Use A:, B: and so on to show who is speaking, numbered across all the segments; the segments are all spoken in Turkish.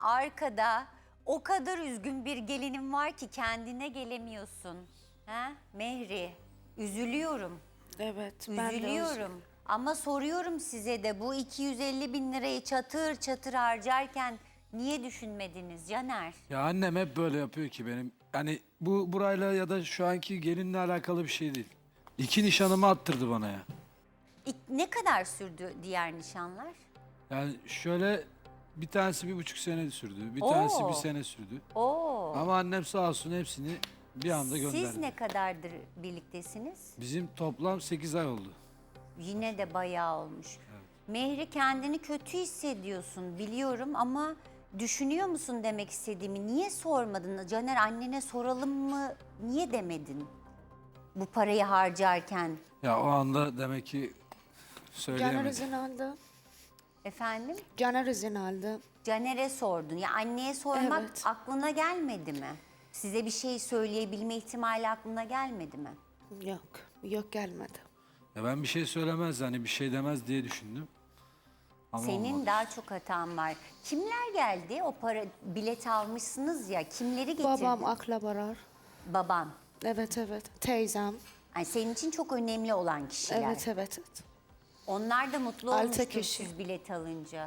A: Arkada o kadar üzgün bir gelinim var ki kendine gelemiyorsun. Ha? Mehri, üzülüyorum.
B: Evet, ben de
A: Üzülüyorum. Ama soruyorum size de bu 250 bin lirayı çatır çatır harcarken niye düşünmediniz Caner?
C: Ya annem hep böyle yapıyor ki benim. Yani bu burayla ya da şu anki gelinle alakalı bir şey değil. İki nişanımı attırdı bana ya.
A: Ne kadar sürdü diğer nişanlar?
C: Yani şöyle bir tanesi 1,5 sene sürdü. Bir
A: Oo.
C: tanesi 1 sene sürdü.
A: Oo.
C: Ama annem sağ olsun hepsini bir anda gönderdi.
A: Siz ne kadardır birliktesiniz?
C: Bizim toplam 8 ay oldu.
A: Yine de bayağı olmuş. Mehri kendini kötü hissediyorsun biliyorum ama düşünüyor musun demek istediğimi? Niye sormadın? Caner annene soralım mı? Niye demedin? Bu parayı harcarken.
C: Ya o anda demek ki
B: Caner
C: söyleyemedim.
B: izin aldı.
A: Efendim?
B: Caner izin aldı.
A: Caner'e sordun. Ya anneye sormak
B: Evet.
A: aklına gelmedi mi? Size bir şey söyleyebilme ihtimali aklına gelmedi mi?
B: Yok, yok gelmedi.
C: Ya ben bir şey söylemez hani bir şey demez diye düşündüm. Ama
A: Senin
C: olmadı.
A: daha çok hatan var. Kimler geldi? O para bilet almışsınız ya. Kimleri getirdin?
B: Babam, akrabalar.
A: Baban.
B: Evet, evet. Teyzem.
A: Yani senin için çok önemli olan kişiler.
B: Evet, evet, evet.
A: Onlar da mutlu
B: 6
A: olmuştur
B: kişi.
A: siz bilet alınca.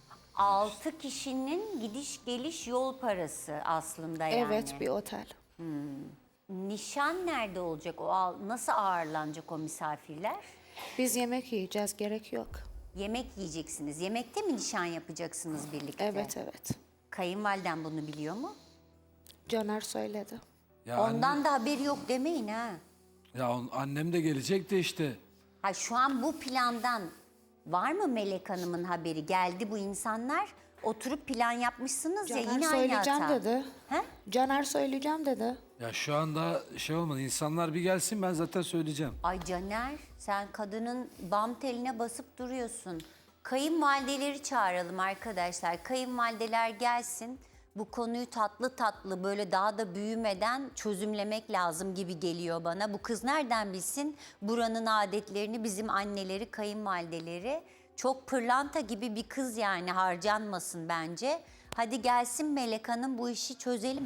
A: 6 kişinin gidiş geliş yol parası aslında yani.
B: Evet, bir otel.
A: Nişan nerede olacak? Nasıl ağırlanacak o misafirler?
B: Biz yemek yiyeceğiz, gerek yok.
A: Yemek yiyeceksiniz. Yemekte mi nişan yapacaksınız birlikte?
B: Evet, evet.
A: Kayınvaliden bunu biliyor mu?
B: Caner söyledi.
C: Ya
A: Ondan da haberi yok demeyin ha.
C: annem de gelecek de işte.
A: Ha şu an bu plandan var mı Melek Hanım'ın haberi? Geldi bu insanlar. Oturup plan yapmışsınız ya
B: Caner
A: yine aynı
B: söyleyeceğim
A: hata.
B: dedi.
A: He?
B: Caner söyleyeceğim dedi.
C: Ya şu anda şey olmadı. İnsanlar bir gelsin ben zaten söyleyeceğim.
A: Ay Caner sen kadının bam teline basıp duruyorsun. Kayınvalideleri çağıralım arkadaşlar. Kayınvalideler gelsin. Bu konuyu tatlı tatlı böyle daha da büyümeden çözümlemek lazım gibi geliyor bana. Bu kız nereden bilsin buranın adetlerini bizim anneleri, kayınvalideleri. Çok pırlanta gibi bir kız yani harcanmasın bence. Hadi gelsin Melek Hanım bu işi çözelim.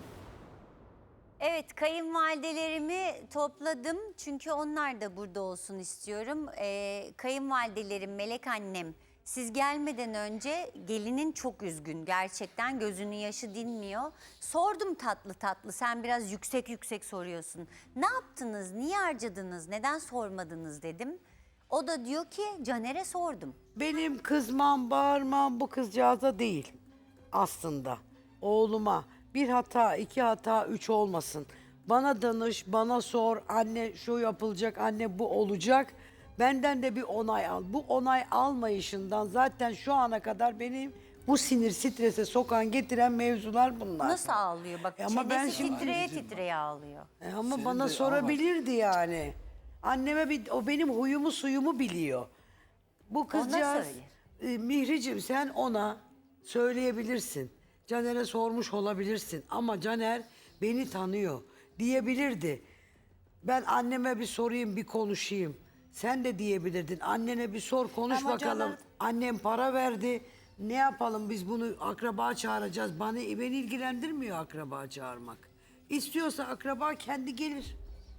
A: Evet, kayınvalidelerimi topladım çünkü onlar da burada olsun istiyorum. Kayınvalidelerim, Melek annem, siz gelmeden önce gelinin çok üzgün. Gerçekten gözünün yaşı dinmiyor. Sordum tatlı tatlı, sen biraz yüksek yüksek soruyorsun. Ne yaptınız, niye harcadınız, neden sormadınız dedim. O da diyor ki Caner'e sordum.
D: Benim kızmam, bağırmam bu kızcağıza değil aslında. Oğluma bir hata, iki hata, üç olmasın. Bana danış, bana sor, anne şu yapılacak, anne bu olacak. Benden de bir onay al. Bu onay almayışından zaten şu ana kadar benim bu sinir, strese sokan, getiren mevzular bunlar.
A: Nasıl ağlıyor bak
D: Ama ben
A: çenesi
D: şimdi-
A: titreye titreye ağlıyor.
D: Ama
C: Senin
D: bana
C: de-
D: sorabilirdi yani. Anneme o benim huyumu suyumu biliyor. Bu kızcağız
A: söyle.
D: Mihricim sen ona söyleyebilirsin. Caner'e sormuş olabilirsin ama Caner beni tanıyor diyebilirdi. Ben anneme bir sorayım bir konuşayım. Sen de diyebilirdin. Annene bir sor konuş
B: Ama
D: bakalım.
B: Caner-
D: Annem para verdi. Ne yapalım biz bunu akraba çağıracağız. Beni ilgilendirmiyor akraba çağırmak. İstiyorsa akraba kendi gelir.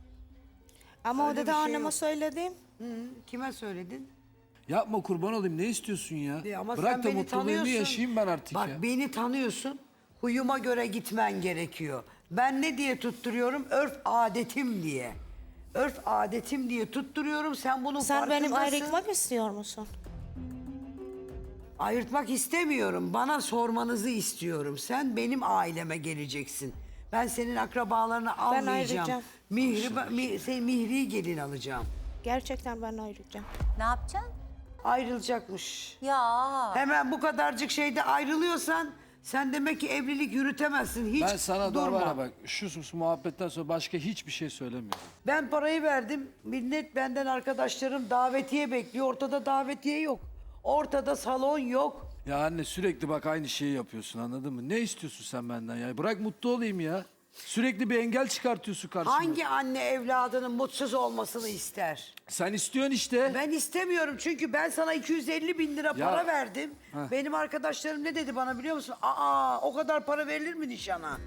B: Ama
D: Öyle
B: o
D: bir
B: da
D: şey
B: anneme
D: yok.
B: söyledim.
D: Kime söyledin?
C: Yapma kurban olayım ne istiyorsun ya?
D: Ama
C: Bırak
D: sen
C: da
D: beni
C: mutluluğumu
D: tanıyorsun.
C: yaşayayım ben artık
D: Bak
C: ya.
D: beni tanıyorsun. Huyuma göre gitmen gerekiyor. Ben ne diye tutturuyorum? Örf adetim diye. Örf adetim diye tutturuyorum. Sen bunun
B: Sen benim
D: farkındasın.
B: ayrılmak istiyor musun?
D: Ayırtmak istemiyorum. Bana sormanızı istiyorum. Sen benim aileme geleceksin. Ben senin akrabalarını almayacağım.
B: ayrılacağım.
D: Mihri'yi gelin alacağım.
B: Gerçekten ben ayrılacağım.
A: Ne yapacaksın?
D: Ayrılacakmış.
A: Ya
D: Hemen bu kadarcık şeyde ayrılıyorsan sen demek ki evlilik yürütemezsin. Hiç
C: Ben sana da
D: durma.
C: var ya bak şu muhabbetten sonra başka hiçbir şey söylemiyorum.
D: Ben parayı verdim. Millet benden arkadaşlarım davetiye bekliyor. Ortada davetiye yok. Ortada salon yok.
C: Ya anne sürekli bak aynı şeyi yapıyorsun anladın mı? Ne istiyorsun sen benden ya? Bırak mutlu olayım ya. Sürekli bir engel çıkartıyorsun karşıma.
D: Hangi anne evladının mutsuz olmasını ister?
C: Sen istiyorsun işte.
D: Ben istemiyorum çünkü ben sana 250 bin lira para verdim.
C: Heh.
D: Benim arkadaşlarım ne dedi bana biliyor musun? Aa, o kadar para verilir mi nişana?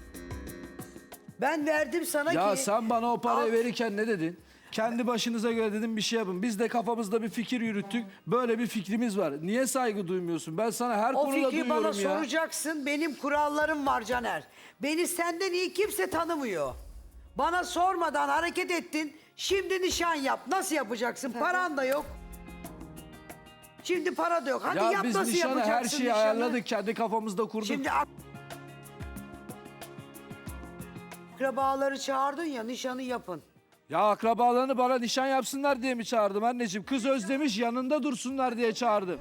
D: Ben verdim sana
C: Ya
D: ki...
C: sen bana o parayı
D: Al.
C: verirken ne dedin? Kendi başınıza göre dedim bir şey yapın. Biz de kafamızda bir fikir yürüttük. Böyle bir fikrimiz var. Niye saygı duymuyorsun? Ben sana her
D: O
C: konuda
D: fikri
C: duyuyorum
D: bana
C: ya.
D: soracaksın. Benim kurallarım var Caner. Beni senden iyi kimse tanımıyor. Bana sormadan hareket ettin. Şimdi nişan yap. Nasıl yapacaksın? Paran da yok. Şimdi para da yok. Hadi
C: Ya
D: yap,
C: biz
D: nasıl
C: nişanı
D: yapacaksın
C: her şeyi
D: nişanı?
C: ayarladık. Kendi kafamızda kurduk.
D: Şimdi akrabaları çağırdın ya, nişanı yapın.
C: Ya akrabalarını bana nişan yapsınlar diye mi çağırdım anneciğim? Kız özlemiş yanında dursunlar diye çağırdım.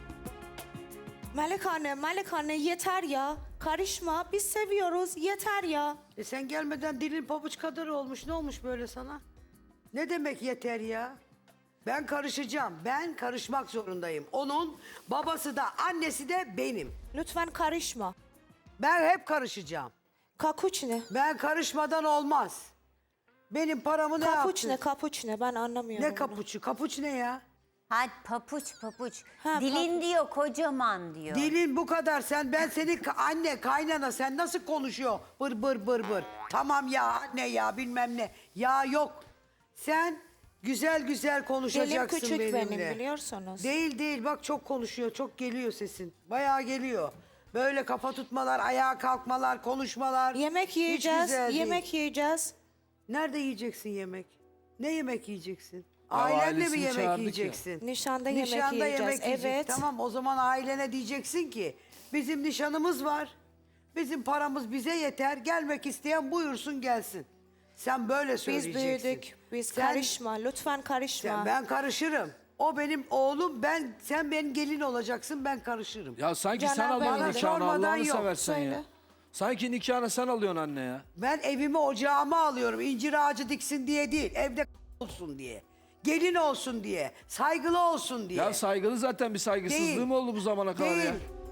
B: Melek anne yeter ya. Karışma. Biz seviyoruz. Yeter ya.
D: Sen gelmeden dilin pabuç kadar olmuş. Ne olmuş böyle sana? Ne demek yeter ya? Ben karışacağım. Ben karışmak zorundayım. Onun babası da annesi de benim.
B: Lütfen karışma.
D: Ben hep karışacağım.
B: Kapuçne.
D: Ben karışmadan olmaz. Benim paramı ne yaptın?
B: Kapuçne. Ben anlamıyorum.
D: Ne
B: bunu.
D: kapuçu? Kapuç ne ya?
A: Hadi papuç.
B: Ha,
A: Dilin diyor kocaman diyor.
D: Dilin bu kadar. Ben senin anne, kaynana sen nasıl konuşuyor? Bır bır bır bır. Tamam ya anne ya bilmem ne. Ya yok. Sen güzel güzel
B: Dilim
D: konuşacaksın
B: küçük
D: benimle.
B: benim biliyorsunuz.
D: Değil bak çok konuşuyor. Çok geliyor sesin. Bayağı geliyor. Böyle kafa tutmalar, ayağa kalkmalar, konuşmalar.
B: Yemek
D: Hiç
B: yiyeceğiz.
D: güzel değil.
B: Yemek yiyeceğiz.
D: Nerede yiyeceksin yemek? Ne yemek yiyeceksin?
C: Ya
D: Ailenle mi
C: ailesini
D: yemek
C: çağırdık ya.
D: yiyeceksin?
B: Nişanda yemek
D: Nişanda
B: yiyeceğiz,
D: yemek yiyeceksin.
B: evet.
D: Tamam o zaman ailene diyeceksin ki bizim nişanımız var. Bizim paramız bize yeter. Gelmek isteyen buyursun gelsin. Sen böyle
B: Biz
D: söyleyeceksin.
B: büyüdük. Biz
D: Sen-
B: karışma. Lütfen karışma.
D: Ben karışırım. O benim oğlum. Sen benim gelin olacaksın. Ben karışırım.
C: Ya sanki
B: Caner
C: sen
B: Bey,
C: alıyorsun
B: bana
C: nikahını
D: sormadan
C: Allah'ını
D: yok.
C: seversen ya.
B: Söyle.
C: Sanki nikahını sen alıyorsun anne ya.
D: Ben evimi ocağıma alıyorum. İncir ağacı diksin diye değil. Evde olsun diye. Gelin olsun diye. Saygılı olsun diye.
C: Ya saygılı zaten bir saygısızlığı
D: Değil.
C: mı oldu bu zamana kadar ya?
D: Değil.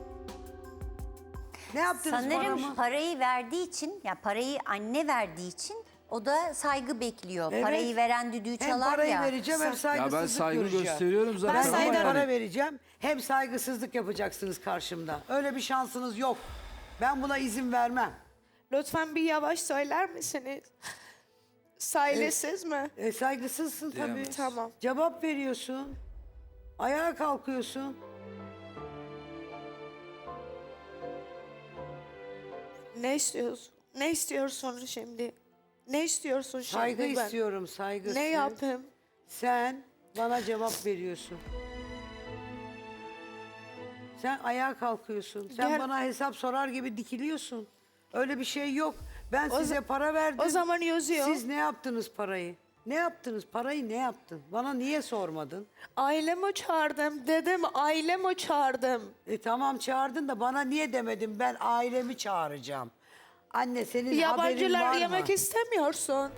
D: Ne yaptınız
A: Sanırım
D: paramı?
A: parayı verdiği için, ya parayı anne verdiği için o da saygı bekliyor.
D: Evet.
A: Parayı veren düdüğü
D: Hem
A: çalar
D: parayı
A: ya.
D: vereceğim hem
C: Ya
D: saygısızlık
C: ben saygı
D: göreceğim.
C: gösteriyorum zaten
D: Ben
C: ama
D: hem
C: yani.
D: para vereceğim hem saygısızlık yapacaksınız karşımda. Öyle bir şansınız yok. Ben buna izin vermem.
B: Lütfen bir yavaş söyler misiniz? Saygısız mı?
D: Saygısızsın tabii.
C: Diyemez.
B: Tamam.
D: Cevap veriyorsun. Ayağa kalkıyorsun.
B: Ne istiyorsun? Ne istiyorsun şimdi? Ne istiyorsun şimdi?
D: Saygı
B: ben?
D: istiyorum, saygı.
B: Ne yapayım?
D: Sen bana cevap veriyorsun. Sen ayağa kalkıyorsun. Sen
B: Gel.
D: bana hesap sorar gibi dikiliyorsun. Öyle bir şey yok. Ben
B: O
D: size
B: za-
D: para verdim.
B: o zaman yazıyor.
D: Siz ne yaptınız parayı? Ne yaptınız? Parayı ne yaptın? Bana niye sormadın?
B: Ailemi çağırdım. Dedim ailemi çağırdım.
D: Tamam çağırdın da bana niye demedin? Ben ailemi çağıracağım. Anne senin haberin
B: Yabancılar
D: var mı?
B: yemek istemiyorsun.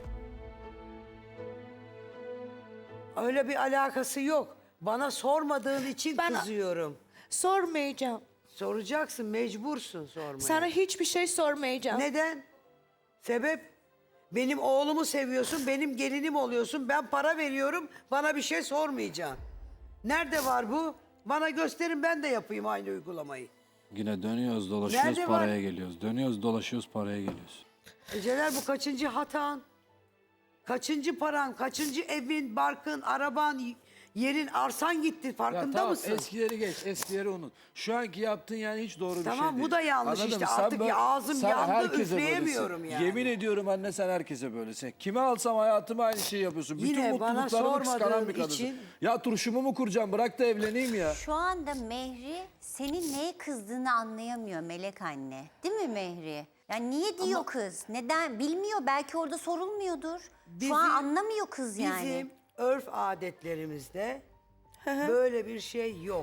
D: Öyle bir alakası yok. Bana sormadığın için
B: Ben-
D: kızıyorum.
B: Sormayacağım.
D: Soracaksın, mecbursun sormaya.
B: Sana hiçbir şey sormayacağım.
D: Neden? Sebep? Benim oğlumu seviyorsun, benim gelinim oluyorsun. Ben para veriyorum, bana bir şey sormayacaksın. Nerede var bu? Bana gösterin ben de yapayım aynı uygulamayı.
C: Yine dönüyoruz dolaşıyoruz
D: Nerede
C: paraya
D: var?
C: geliyoruz. Dönüyoruz dolaşıyoruz paraya geliyoruz.
D: Celal bu kaçıncı hatan? Kaçıncı paran, kaçıncı evin, barkın, araban, yerin, arsan gitti farkında
C: tamam,
D: mısın?
C: eskileri geç, eskileri unut. Şu anki yaptığın yani hiç doğru bir şey
D: Tamam,
C: değil.
D: bu da yanlış
C: Anladın
D: işte.
C: mı? Sen
D: Artık
C: böyle-
D: ağzım
C: sen
D: yandı,
C: herkese
D: üfleyemiyorum
C: böylesin.
D: yani.
C: Yemin ediyorum anne sen herkese böylesin. Kime alsam hayatımı aynı şeyi yapıyorsun.
D: Yine
C: Bütün
D: bana
C: mutluluklarımı kıskanan
D: sormadığın
C: bir kadınsın.
D: için-
C: Ya turşumu mu kuracağım bırak da evleneyim ya.
A: Şu anda Mehri senin neye kızdığını anlayamıyor Melek anne. Değil mi Mehri? Yani niye diyor kız? Neden? Bilmiyor. Belki orada sorulmuyordur.
D: Bizim-
A: Şu an anlamıyor kız yani.
D: Bizim örf adetlerimizde böyle bir şey yok.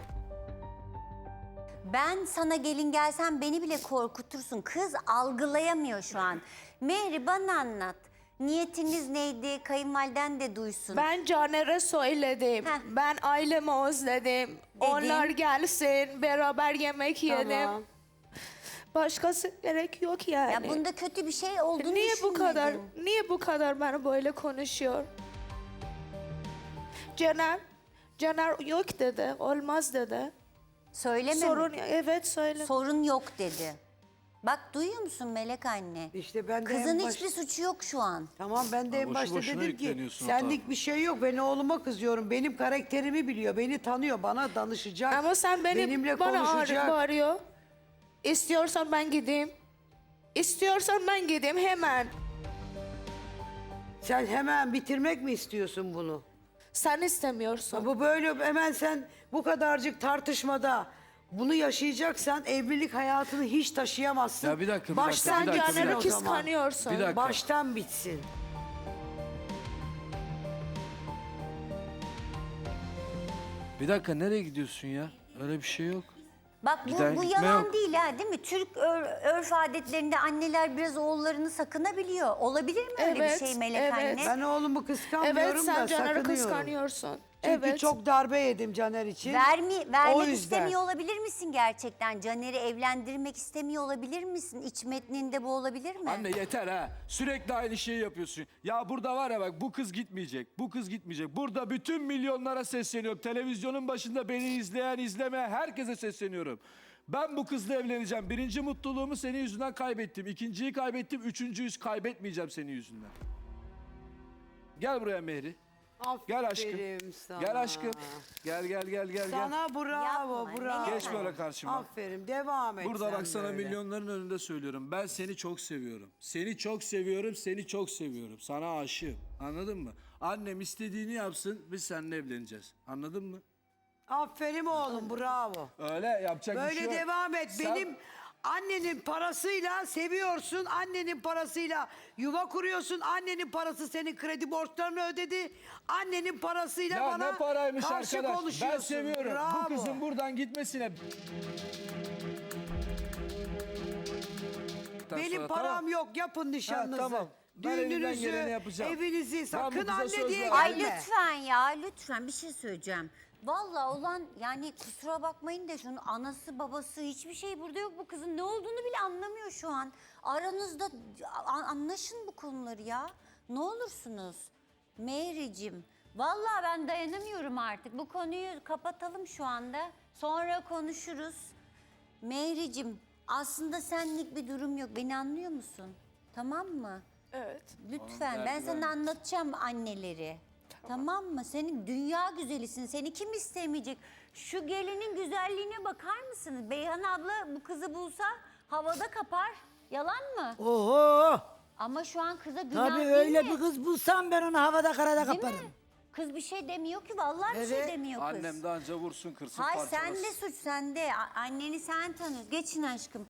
A: Ben sana gelin gelsem beni bile korkutursun. Kız algılayamıyor şu an. Mehri bana anlat. Niyetiniz neydi? Kayınvaliden de duysun.
B: Ben Caner'e söyledim.
A: Heh.
B: Ben ailemi özledim. Onlar gelsin, beraber yemek yiyelim.
D: Tamam.
B: Başkası gerek yok yani.
A: Ya bunda kötü bir şey olduğunu
B: Niye bu kadar,
A: düşünmedin.
B: niye bu kadar bana böyle konuşuyor? Caner yok dedi, olmaz dedi.
A: Söyleme.
B: Evet söyle.
A: Sorun yok dedi. Bak duyuyor musun Melek anne?
D: İşte ben de
A: Kızın
D: en baş-
A: hiçbir suçu yok şu an.
D: Tamam ben de en
C: boşu
D: başta
C: boşuna
D: dedim ki
C: yükleniyorsun
D: senlik
C: hata.
D: bir şey yok. Ben oğluma kızıyorum. Benim karakterimi biliyor. Beni tanıyor. Bana danışacak.
B: Ama sen
D: benimle
B: bana
D: konuşacak.
B: bağırıyor. İstiyorsan ben gideyim. İstiyorsan ben gideyim hemen.
D: Sen hemen bitirmek mi istiyorsun bunu?
B: Sen istemiyorsun.
D: Bu böyle hemen sen bu kadarcık tartışmada bunu yaşayacaksan evlilik hayatını hiç taşıyamazsın.
C: Ya bir dakika, bir
D: Baştan
C: dakika, bir dakika,
D: bitsin
B: Caner'i
D: o zaman.
B: kıskanıyorsun.
C: Bir dakika.
D: Baştan bitsin.
C: Bir dakika nereye gidiyorsun ya? Öyle bir şey yok.
A: Bak
C: Giden
A: bu
C: gitme
A: yalan
C: yok.
A: değil ha değil mi? Türk örf adetlerinde anneler biraz oğullarını sakınabiliyor. Olabilir mi öyle
B: Evet,
A: bir şey Melek
B: evet.
A: anne?
D: Ben oğlumu kıskanmıyorum
B: Evet sen
D: da
B: Caner'i
D: sakınıyorum.
B: kıskanıyorsun.
D: Çünkü
B: Evet.
D: çok darbe yedim Caner için. O
A: Vermek
D: yüzden.
A: istemiyor olabilir misin gerçekten? Caner'i evlendirmek istemiyor olabilir misin? İç metninde bu olabilir mi?
C: Anne yeter ha. Sürekli aynı şeyi yapıyorsun. Ya burada var ya bak bu kız gitmeyecek. Bu kız gitmeyecek. Burada bütün milyonlara sesleniyorum. Televizyonun başında beni izleyen, izlemeyen herkese sesleniyorum. Ben bu kızla evleneceğim. Birinci mutluluğumu senin yüzünden kaybettim. İkinciyi kaybettim. Üçüncüyü kaybetmeyeceğim senin yüzünden. Gel buraya Mehri. Gel aşkım.
D: Aferin sana.
C: Gel aşkım. Gel.
D: Sana bravo,
A: Yapma,
D: bravo.
A: Geç
C: böyle karşıma.
D: Aferin, devam et
C: Burada
D: sen
C: bak sana
D: böyle.
C: milyonların önünde söylüyorum. Ben seni çok seviyorum. Seni çok seviyorum, seni çok seviyorum. Sana aşığım. Anladın mı? Annem istediğini yapsın, biz seninle evleneceğiz. Anladın mı?
D: Aferin oğlum, bravo.
C: Öyle yapacak bir
D: Böyle
C: şey yok.
D: devam et.
C: Sen-
D: Benim annenin parasıyla seviyorsun. Annenin parasıyla yuva kuruyorsun. Annenin parası senin kredi borçlarını ödedi. Annenin parasıyla
C: Ya
D: bana
C: ne paraymış
D: karşı
C: arkadaş.
D: konuşuyorsun.
C: Ben seviyorum.
D: Bravo.
C: Bu kızın buradan gitmesine...
D: Benim
C: Sonra,
D: param
C: tamam.
D: yok. Yapın nişanınızı.
C: tamam. Ben elimden geleni yapacağım.
D: evinizi
C: Ben bu
D: sakın
C: kıza
D: anne
C: söz
D: diye
C: verdim.
A: Ay
D: gelme.
A: lütfen ya lütfen bir şey söyleyeceğim. Vallahi olan yani kusura bakmayın da şunun anası babası hiçbir şey burada yok. Bu kızın ne olduğunu bile anlamıyor şu an. Aranızda anlaşın bu konuları ya. Ne olursunuz. Mehri'cim vallahi ben dayanamıyorum artık. Bu konuyu kapatalım şu anda. Sonra konuşuruz. Mehri'cim aslında senlik bir durum yok. Beni anlıyor musun? Tamam mı?
B: Evet.
A: Lütfen ben sana anlatacağım anneleri. Tamam mı? Senin dünya güzelisin. Seni kim istemeyecek? Şu gelinin güzelliğine bakar mısınız? Beyhan abla bu kızı bulsa havada kapar. Yalan mı?
E: Oho!
A: Ama şu an kıza günah
E: Tabii
A: değil
E: öyle
A: mi?
E: bir kız bulsam ben onu havada karada
A: Değil mi?
E: kaparım.
A: Kız bir şey demiyor ki. Vallahi bir şey
E: Evet.
A: demiyor kız.
C: Annem de anca vursun kırsın
A: Hayır
C: parçalasın.
A: sende suç sende. Anneni sen tanıyorsun. Geçin aşkım.